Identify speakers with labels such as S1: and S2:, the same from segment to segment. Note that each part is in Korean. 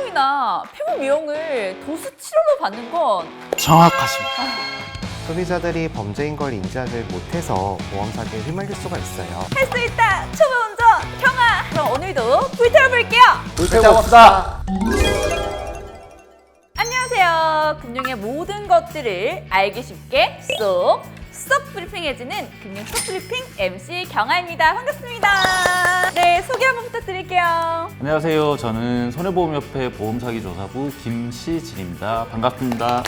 S1: 미용이나 피부 미용을 도수 치료로 받는 건
S2: 정확하십니다.
S3: 소비자들이 범죄인 걸 인지하지 못해서 보험 사기에 휘말릴 수가 있어요.
S1: 할 수 있다! 초보 운전 경아! 그럼 오늘도 불태워볼게요!
S2: 불태워봅시다.
S1: 안녕하세요. 금융의 모든 것들을 알기 쉽게 쏙 브리핑해주는 금융 쏙 브리핑 MC 경아입니다. 반갑습니다. 네, 소개 한번 부탁드릴게요.
S2: 안녕하세요. 저는 손해보험협회 보험사기조사부 김시진입니다. 반갑습니다.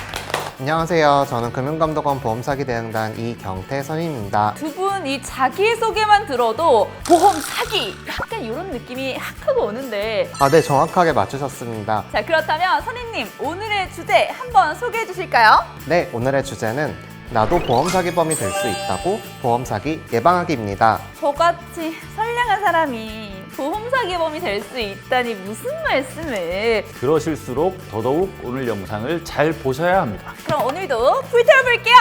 S3: 안녕하세요. 저는 금융감독원 보험사기 대응단 이경태 선임입니다.
S1: 두 분 이 자기소개만 들어도 보험 사기! 약간 이런 느낌이 확 하고 오는데
S3: 네, 정확하게 맞추셨습니다.
S1: 자, 그렇다면 선임님 오늘의 주제 한번 소개해 주실까요?
S3: 네, 오늘의 주제는 나도 보험 사기범이 될 수 있다고 보험 사기 예방하기입니다.
S1: 저같이 선량한 사람이 보험 사기범이 될 수 있다니 무슨 말씀을.
S2: 그러실수록 더더욱 오늘 영상을 잘 보셔야 합니다.
S1: 그럼 오늘도 불태워볼게요.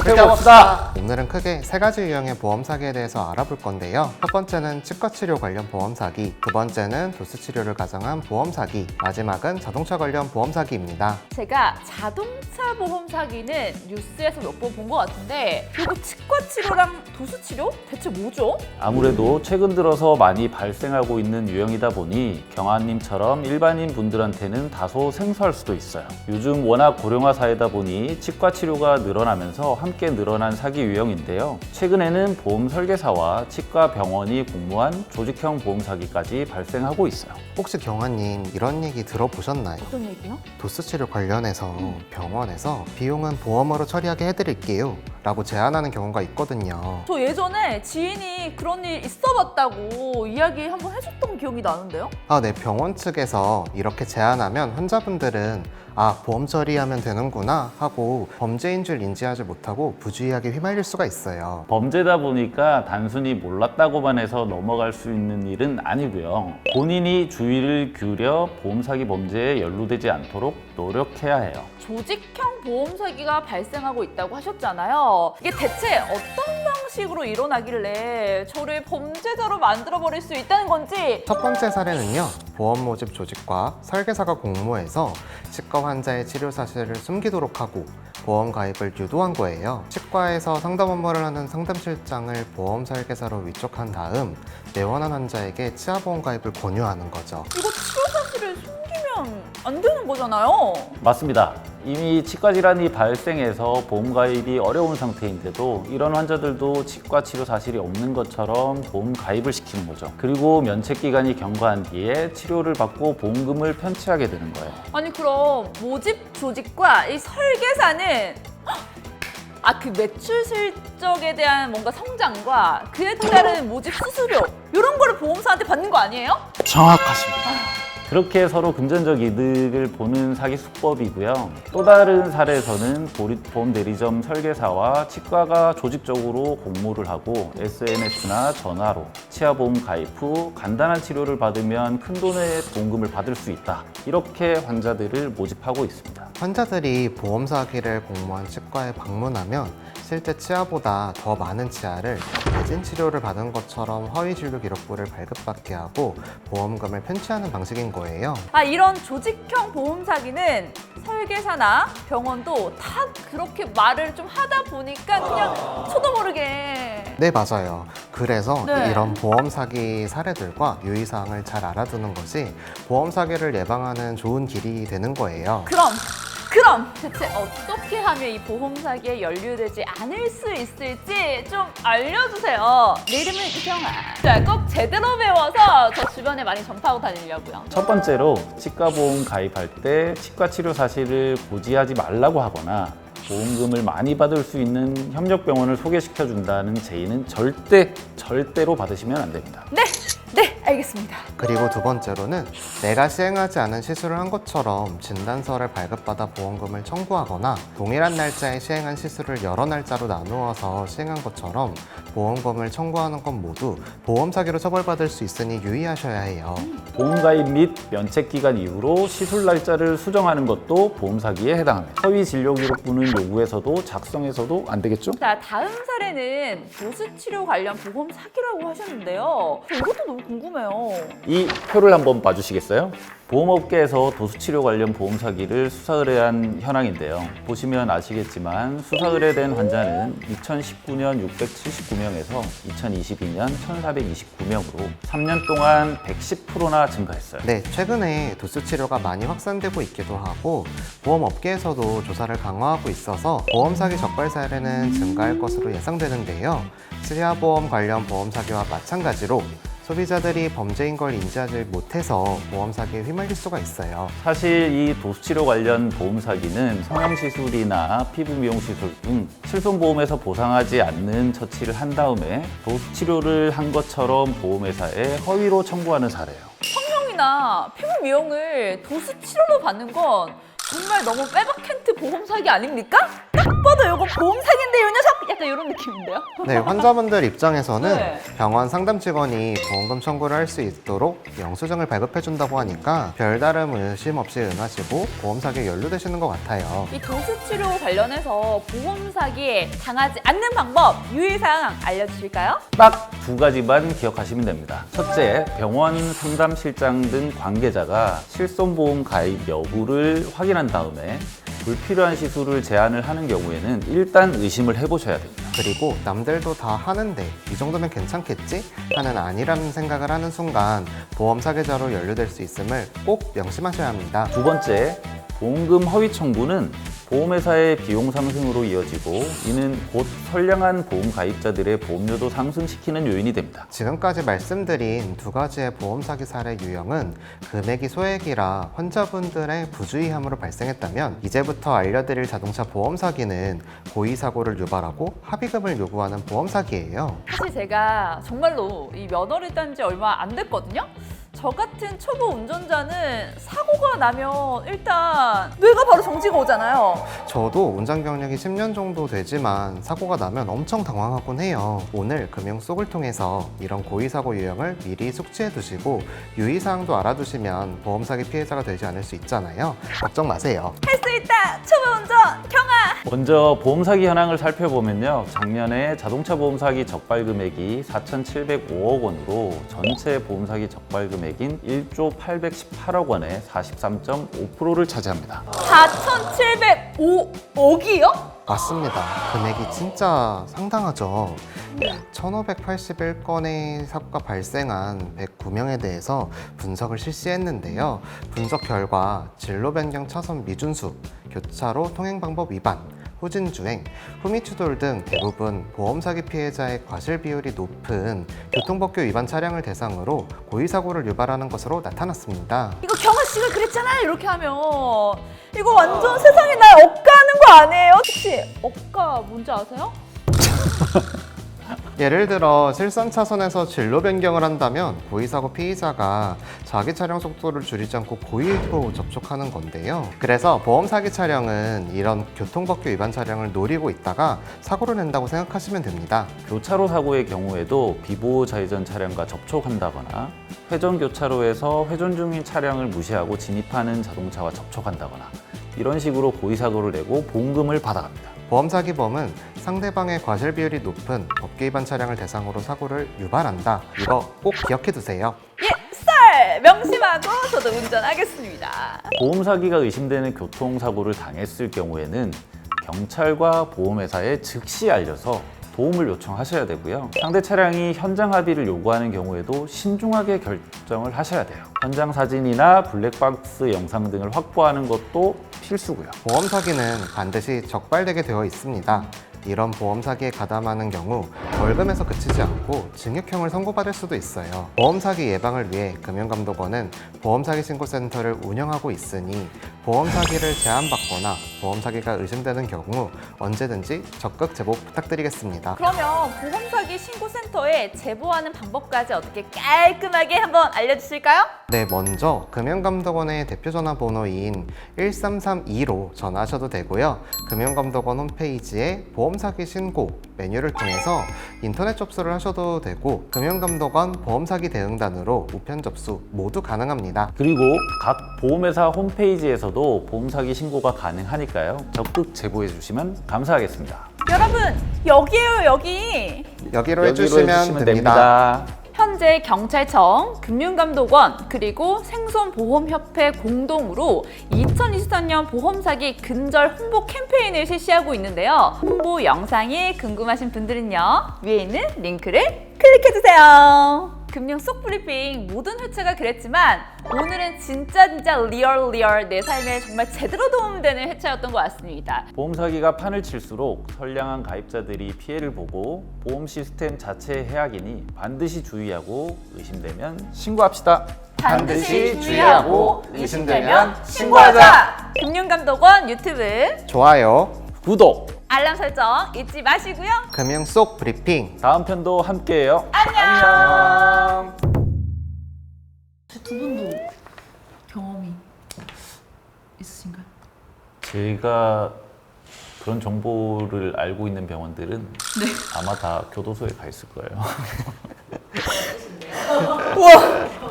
S2: 불태워봅시다.
S3: 오늘은 크게 세 가지 유형의 보험 사기에 대해서 알아볼 건데요. 첫 번째는 치과 치료 관련 보험 사기, 두 번째는 도수 치료를 가정한 보험 사기, 마지막은 자동차 관련 보험 사기입니다.
S1: 제가 자동차 보험 사기는 뉴스에서 몇 번 본 것 같은데 이거 치과 치료랑 도수 치료? 대체 뭐죠?
S2: 아무래도 최근 들어서 많이 발생하고 있는 유형이다 보니 경아님처럼 일반인 분들한테는 다소 생소할 수도 있어요. 요즘 워낙 고령화 사회다 보니 치과 치료가 늘어나면서 함께 늘어난 사기 유형인데요. 최근에는 보험 설계사와 치과 병원이 공모한 조직형 보험 사기까지 발생하고 있어요.
S3: 혹시 경아님 이런 얘기 들어보셨나요?
S1: 어떤 얘기요?
S3: 도수 치료 관련해서 병원에서 비용은 보험으로 처리하게 해드릴게요 라고 제안하는 경우가 있거든요.
S1: 저 예전에 지인이 그런 일 있어봤다고 이야기 한번 해줬던 기억이 나는데요?
S3: 네, 병원 측에서 이렇게 제안하면 환자분들은 보험 처리하면 되는구나 하고 범죄인 줄 인지하지 못하고 부주의하게 휘말릴 수가 있어요.
S2: 범죄다 보니까 단순히 몰랐다고만 해서 넘어갈 수 있는 일은 아니고요. 본인이 주의를 기울여 보험 사기 범죄에 연루되지 않도록 노력해야 해요.
S1: 조직형 보험 사기가 발생하고 있다고 하셨잖아요. 이게 대체 어떤 방식으로 일어나길래 저를 범죄자로 만들어버릴 수 있다는 건지.
S3: 첫 번째 사례는요, 보험 모집 조직과 설계사가 공모해서 치과 환자의 치료 사실을 숨기도록 하고 보험 가입을 유도한 거예요. 치과에서 상담 업무를 하는 상담실장을 보험 설계사로 위촉한 다음 내원한 환자에게 치아보험 가입을 권유하는 거죠.
S1: 이거 치료 사실을 숨기면 안 되는 거잖아요.
S2: 맞습니다. 이미 치과 질환이 발생해서 보험 가입이 어려운 상태인데도 이런 환자들도 치과 치료 사실이 없는 것처럼 보험 가입을 시키는 거죠. 그리고 면책 기간이 경과한 뒤에 치료를 받고 보험금을 편취하게 되는 거예요.
S1: 아니 그럼 모집 조직과 이 설계사는 그 매출 실적에 대한 뭔가 성장과 그에 따른 모집 수수료 이런 거를 보험사한테 받는 거 아니에요?
S2: 정확하십니다. 그렇게 서로 금전적 이득을 보는 사기 수법이고요. 또 다른 사례에서는 보험 대리점 설계사와 치과가 조직적으로 공모를 하고 SNS나 전화로 치아보험 가입 후 간단한 치료를 받으면 큰 돈의 보험금을 받을 수 있다. 이렇게 환자들을 모집하고 있습니다.
S3: 환자들이 보험 사기를 공모한 치과에 방문하면 실제 치아보다 더 많은 치아를 대진 치료를 받은 것처럼 허위 진료 기록부를 발급받게 하고 보험금을 편취하는 방식인 거예요.
S1: 이런 조직형 보험 사기는 설계사나 병원도 다 그렇게 말을 좀 하다 보니까 그냥 저도 모르게.
S3: 네, 맞아요. 그래서
S1: 네.
S3: 이런 보험 사기 사례들과 유의사항을 잘 알아두는 것이 보험 사기를 예방하는 좋은 길이 되는 거예요.
S1: 그럼 대체 어떻게 하면 이 보험 사기에 연루되지 않을 수 있을지 좀 알려주세요. 내 이름은 이경아. 자, 꼭 제대로 배워서 저 주변에 많이 전파하고 다니려고요.
S2: 첫 번째로 치과 보험 가입할 때 치과 치료 사실을 고지하지 말라고 하거나 보험금을 많이 받을 수 있는 협력병원을 소개시켜 준다는 제의는 절대로 받으시면 안 됩니다.
S1: 네, 알겠습니다.
S3: 그리고 두 번째로는 내가 시행하지 않은 시술을 한 것처럼 진단서를 발급받아 보험금을 청구하거나 동일한 날짜에 시행한 시술을 여러 날짜로 나누어서 시행한 것처럼 보험금을 청구하는 건 모두 보험 사기로 처벌받을 수 있으니 유의하셔야 해요.
S2: 보험 가입 및 면책 기간 이후로 시술 날짜를 수정하는 것도 보험 사기에 해당합니다. 허위 진료 기록부는 요구해서도 작성해서도 안 되겠죠?
S1: 자, 다음 사례는 도수치료 관련 보험 사기라고 하셨는데요. 저 이것도 너무 궁금해요.
S2: 이 표를 한번 봐주시겠어요? 보험업계에서 도수치료 관련 보험 사기를 수사 의뢰한 현황인데요. 보시면 아시겠지만 수사 의뢰된 환자는 2019년 679명에서 2022년 1429명으로 3년 동안 110%나 증가했어요.
S3: 네, 최근에 도수 치료가 많이 확산되고 있기도 하고 보험업계에서도 조사를 강화하고 있어서 보험 사기 적발 사례는 증가할 것으로 예상되는데요. 치아보험 관련 보험 사기와 마찬가지로 소비자들이 범죄인 걸 인지하지 못해서 보험 사기에 휘말릴 수가 있어요.
S2: 사실 이 도수치료 관련 보험 사기는 성형시술이나 피부 미용시술 등 실손보험에서 보상하지 않는 처치를 한 다음에 도수치료를 한 것처럼 보험회사에 허위로 청구하는 사례예요.
S1: 성형이나 피부 미용을 도수치료로 받는 건 정말 너무 빼박캔트 보험 사기 아닙니까? 딱 봐도 이거 보험 사기인데 이 녀석! 약간 이런 느낌인데요?
S3: 네, 환자분들 입장에서는
S1: 네.
S3: 병원 상담 직원이 보험금 청구를 할 수 있도록 영수증을 발급해준다고 하니까 별다른 의심 없이 응하시고 보험 사기에 연루되시는 것 같아요.
S1: 이 도수치료 관련해서 보험 사기에 당하지 않는 방법, 유의사항 알려주실까요?
S2: 딱 두 가지만 기억하시면 됩니다. 첫째, 병원 상담실장 등 관계자가 실손보험 가입 여부를 확인한 다음에 불필요한 시술을 제한을 하는 경우에는 일단 의심을 해보셔야 됩니다.
S3: 그리고 남들도 다 하는데 이 정도면 괜찮겠지? 하는 아니라는 생각을 하는 순간 보험 사기자로 연루될 수 있음을 꼭 명심하셔야 합니다.
S2: 두 번째, 보험금 허위 청구는 보험회사의 비용 상승으로 이어지고 이는 곧 선량한 보험 가입자들의 보험료도 상승시키는 요인이 됩니다.
S3: 지금까지 말씀드린 두 가지의 보험 사기 사례 유형은 금액이 소액이라 환자분들의 부주의함으로 발생했다면 이제부터 알려드릴 자동차 보험 사기는 고의 사고를 유발하고 합의금을 요구하는 보험 사기예요.
S1: 사실 제가 정말로 이 면허를 딴 지 얼마 안 됐거든요? 저 같은 초보 운전자는 사고가 나면 일단 뇌가 바로 정지가 오잖아요.
S3: 저도 운전 경력이 10년 정도 되지만 사고가 나면 엄청 당황하곤 해요. 오늘 금융 속을 통해서 이런 고의 사고 유형을 미리 숙지해 두시고 유의사항도 알아두시면 보험 사기 피해자가 되지 않을 수 있잖아요. 걱정 마세요.
S1: 할 수 있다! 초보 운전 경아!
S2: 먼저 보험 사기 현황을 살펴보면요. 작년에 자동차 보험 사기 적발 금액이 4,705억 원으로 전체 보험 사기 적발 금액인 1조 818억 원의 43.5%를 차지합니다.
S1: 4,705억이요?
S3: 맞습니다. 금액이 진짜 상당하죠. 1581건의 사고가 발생한 109명에 대해서 분석을 실시했는데요. 분석 결과 진로 변경 차선 미준수, 교차로 통행 방법 위반, 후진주행, 후미추돌 등 대부분 보험 사기 피해자의 과실 비율이 높은 교통법규 위반 차량을 대상으로 고의 사고를 유발하는 것으로 나타났습니다.
S1: 이거 경아 씨가 그랬잖아 이렇게 하면 이거 완전 세상에 날 억까하는 거 아니에요? 혹시 억까 뭔지 아세요?
S3: 예를 들어 실선 차선에서 진로 변경을 한다면 고의사고 피의자가 자기 차량 속도를 줄이지 않고 고의로 접촉하는 건데요. 그래서 보험 사기 차량은 이런 교통법규 위반 차량을 노리고 있다가 사고를 낸다고 생각하시면 됩니다.
S2: 교차로 사고의 경우에도 비보호 좌회전 차량과 접촉한다거나 회전 교차로에서 회전 중인 차량을 무시하고 진입하는 자동차와 접촉한다거나 이런 식으로 고의 사고를 내고 보험금을 받아갑니다.
S3: 보험 사기범은 상대방의 과실 비율이 높은 법규 위반 차량을 대상으로 사고를 유발한다. 이거 꼭 기억해 두세요.
S1: 예, 썰! 명심하고 저도 운전하겠습니다.
S2: 보험 사기가 의심되는 교통사고를 당했을 경우에는 경찰과 보험회사에 즉시 알려서 도움을 요청하셔야 되고요. 상대 차량이 현장 합의를 요구하는 경우에도 신중하게 결정을 하셔야 돼요. 현장 사진이나 블랙박스 영상 등을 확보하는 것도 필수고요.
S3: 보험 사기는 반드시 적발되게 되어 있습니다. 이런 보험 사기에 가담하는 경우 벌금에서 그치지 않고 징역형을 선고받을 수도 있어요. 보험 사기 예방을 위해 금융감독원은 보험 사기 신고센터를 운영하고 있으니 보험 사기를 제안받거나 보험 사기가 의심되는 경우 언제든지 적극 제보 부탁드리겠습니다.
S1: 그러면 보험 사기 신고센터에 제보하는 방법까지 어떻게 깔끔하게 한번 알려주실까요?
S3: 네, 먼저 금융감독원의 대표 전화번호인 1332로 전화하셔도 되고요. 금융감독원 홈페이지에 보험 보험 사기 신고 메뉴를 통해서 인터넷 접수를 하셔도 되고 금융감독원 보험 사기 대응단으로 우편 접수 모두 가능합니다.
S2: 그리고 각 보험회사 홈페이지에서도 보험 사기 신고가 가능하니까요. 적극 제보해 주시면 감사하겠습니다.
S1: 여러분, 여기에요, 여기.
S3: 여기로 해주시면 됩니다.
S1: 현재 경찰청, 금융감독원, 그리고 생손보험협회 공동으로 2023년 보험사기 근절 홍보 캠페인을 실시하고 있는데요. 홍보 영상이 궁금하신 분들은요, 위에 있는 링크를 클릭해주세요. 금융 속 브리핑 모든 회차가 그랬지만 오늘은 진짜 리얼 내 삶에 정말 제대로 도움되는 회차였던 것 같습니다.
S2: 보험 사기가 판을 칠수록 선량한 가입자들이 피해를 보고 보험 시스템 자체의 해악이니 반드시 주의하고 의심되면 신고합시다.
S1: 반드시 주의하고 의심되면 신고하자. 금융감독원 유튜브
S3: 좋아요.
S2: 구독!
S1: 알람 설정 잊지 마시고요.
S3: 금융 속 브리핑.
S2: 다음 편도 함께해요.
S1: 안녕. 두 분도 경험이 있으신가요?
S2: 제가 그런 정보를 알고 있는 병원들은 아마 다 교도소에 가 있을 거예요.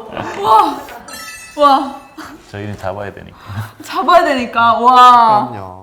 S1: 와,
S2: 저희는 잡아야 되니까.
S1: 잡아야 되니까 와.
S3: 그럼요.